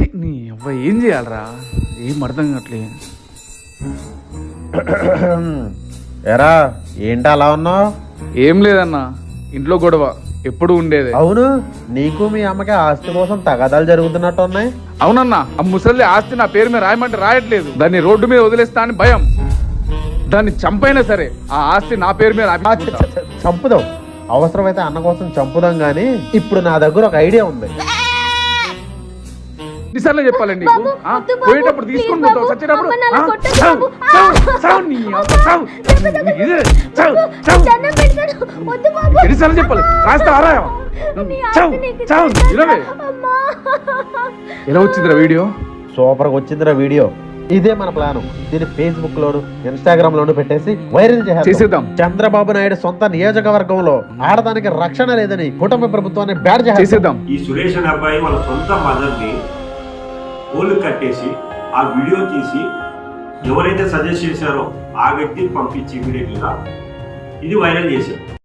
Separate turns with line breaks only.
నీ అవ్వ ఏం చేయాలరా? ఏం అర్థం కావట్లే.
ఎరా ఏంటి అలా ఉన్నావు?
ఏం లేదన్నా, ఇంట్లో గొడవ ఎప్పుడు ఉండేదే.
అవును, నీకు మీ అమ్మకి ఆస్తి కోసం తగాదాలు జరుగుతున్నట్టు ఉన్నాయి.
అవునన్నా, ఆ ముసలి ఆస్తి నా పేరు మీద రాయమంటే రాయట్లేదు. దాన్ని రోడ్డు మీద వదిలేస్తా అని భయం. దాన్ని చంపైనా సరే ఆ ఆస్తి నా పేరు మీద
చంపుదాం, అవసరమైతే అన్న కోసం చంపుదాం. గానీ ఇప్పుడు నా దగ్గర ఒక ఐడియా ఉంది.
ఎన్నిసార్లు చెప్పాలండి నీకు? పోయేటప్పుడు తీసుకుని పోతావు, చచ్చేటప్పుడు ఎన్నిసార్లు చెప్పాలి? రాస్తా ఆరాయం. ఎలా వచ్చిందిరా వీడియో?
సూపర్ గా వచ్చిందిరా వీడియో. ఇదే మన ప్లాన్. దీన్ని ఫేస్బుక్ లోను ఇన్స్టాగ్రామ్ లోను పెట్టేసి వైరల్ చేసేద్దాం. చంద్రబాబు నాయుడు సొంత నియోజకవర్గంలో ఆడదానికి రక్షణ లేదని కుటుంబ ప్రభుత్వాన్ని బ్యాడ్ చేసేద్దాం.
ఈ సురేష్ అనే అబ్బాయి వాళ్ళ సొంత మదర్ ని పోలు కట్టేసి ఆ వీడియో తీసి ఎవరైతే సజెస్ట్ చేశారో ఆ వ్యక్తిని పంపించి ఇమీడియట్ గా ఇది వైరల్ చేశారు.